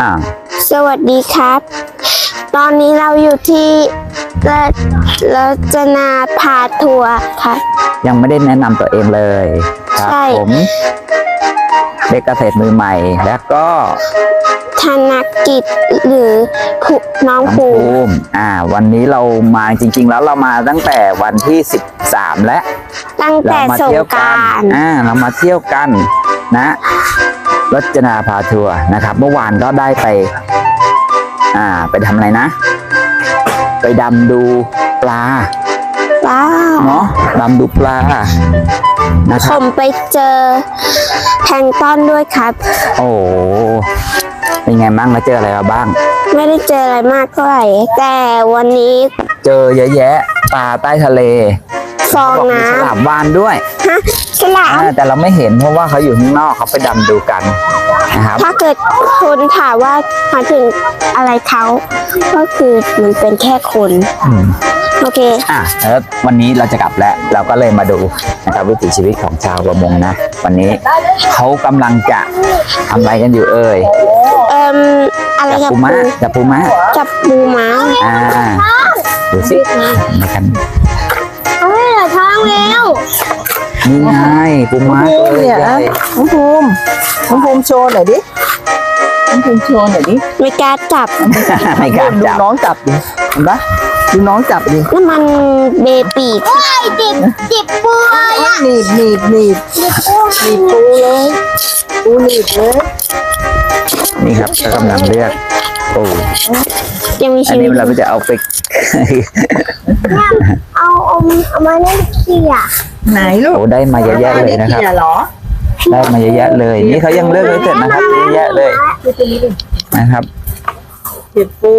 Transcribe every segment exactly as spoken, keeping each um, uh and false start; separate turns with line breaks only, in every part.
อ่า
สวัสดีครับ ตอนนี้เราอยู่ที่รจนาพาทัวร์ค่ะ
ยังไม่ได้แนะนำตัวเองเลยครับผมเด็กเกษตรมือใหม่แล้วก็
ธนกิจหรือน้องภู
มิอ่าวันนี้เรามาจริงๆแล้วเรามาตั้งแต่วันที่สิบสามแล้ว
ตั้งแต่สงกรานต์
อ่าเรามาเที่ยวกันนะรจนาพาทัวร์นะครับเมื่อวานก็ได้ไปอ่าไปทำอะไรนะไปดำดูปลา
ปลา
เนาะดำดูปลานะครับ
ผมไปเจอแพลงก์ต้นด้วยครับ
โอ้เป็นไงบ้างแล้วเจออะไรมาบ้าง
ไม่ได้เจออะไรมากเท่าไหร่แต่วันนี้
เจอเยอะแยะปลาใต้ทะเล
ฟองน้ำ
ฉลามวาฬด้วย
ฮะฉลาม
แต่เราไม่เห็นเพราะว่าเขาอยู่ข้างนอกเขาไปดำดูกันนะครับ
ถ้าเกิดคนถามว่ามาถึงอะไรเขาก็คือมันเป็นแค่คนโอเค
อ่ะแล้ววันนี้เราจะกลับแล้วเราก็เลยมาดูนะครับวิถีชีวิตของชาวประมงนะวันนี้เขากำลังจะทำอะไรกันอยู่เอ่ย
เอ่ออะไร
จับปูม้าจับปูม้า
จับปูม้า
อ่าดูสิมากัน
เอาไว้เหรอท้องแล้ว
นี่ไงปูม้าตัวใหญ่
น้องภูมิน้องภูมิโชว์หน่อยดิน้องภูมิโชว์หน่อยดิ
ไม่กล้าจับ
ไม่กล้าจับ
ดูน้องจับดิเห็นปะดูน้องจับดิ
น้ำมันเบปีกจิบจิบปู
หนีบหนีบหนีบหนีบปูเลยปูหนีบเลย
นี่ครับกำลังเลือกโอ้
ยังมีชีวิต
อันนี้เราก็จะเอาไป
เอาเอาเอามาเล่นเขี่ย
ไหนลูก
โอ้ได้มาเยอะแยะเลยนะครับได้มาเยอะแยะเลยนี่เขายังเลือกไม่เสร็จนะครับเยอะแยะเลยนะครับ
เก็บปู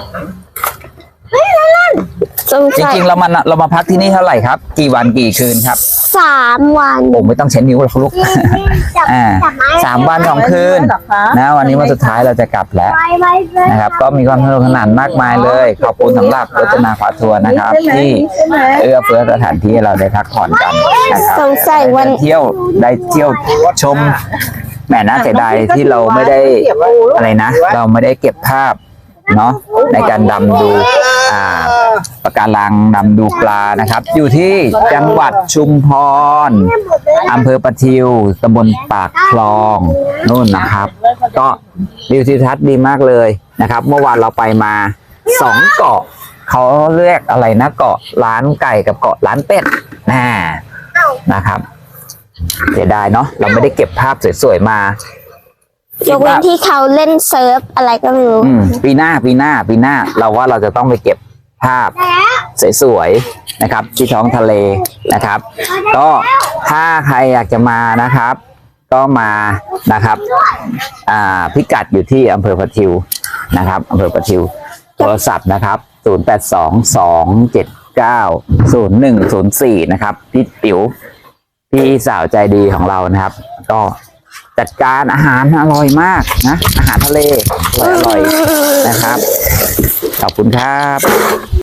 จริงๆเรามาเรามาพักที่นี่เท่าไหร่ครับกี่วันกี่คืนครับ
สามวัน
ผมไม่ต้องใช้นิ้วหรอกลูกอ่าสามวันสองคืนนะวันนี้วันสุดท้ายเราจะกลับแล้วนะครับก็มีความสนุกสนานมากมายเลยขอบคุณสำหรับรจนาพาทัวร์นะครับที่เอื้อเฟื้อสถานที่ให้เราได้พักผ่อนกันนะครับ
สงสัยวัน
เที่ยวได้เที่ยวชมแหมน่าเสียดายที่เราไม่ได้อะไรนะเราไม่ได้เก็บภาพเนาะในการดำดูอ่าปะการังดำดูปลานะครับอยู่ที่จังหวัดชุมพรอำเภอประทิวตำบลปากคลองนู่นนะครับก็วิวทิวทัศน์ดีมากเลยนะครับเมื่อวานเราไปมาสองเกาะเขาเรียกอะไรนะเกาะร้านไก่กับเกาะร้านเป็ดน่านะครับเสียดายเนาะเราไม่ได้เก็บภาพสวยๆมาย
กเว้นที่เขาเล่นเซิร์ฟอะไรก็ไม่รู้
ปีหน้าปีหน้าปีหน้าเราว่าเราจะต้องไปเก็บภาพสวยๆนะครับที่ท้องทะเลนะครับก็ถ้าใครอยากจะมานะครับก็มานะครับอ่าพิกัดอยู่ที่อำเภอประทิวนะครับอำเภอประทิวโทรศัพท์นะครับศูนย์ แปด สอง สอง เจ็ด เก้า ศูนย์ หนึ่ง ศูนย์ สี่นะครับพี่ติ๋วพี่สาวใจดีของเรานะครับก็จัดการอาหารอร่อยมากนะอาหารทะเลอร่อยๆนะครับขอบคุณครับ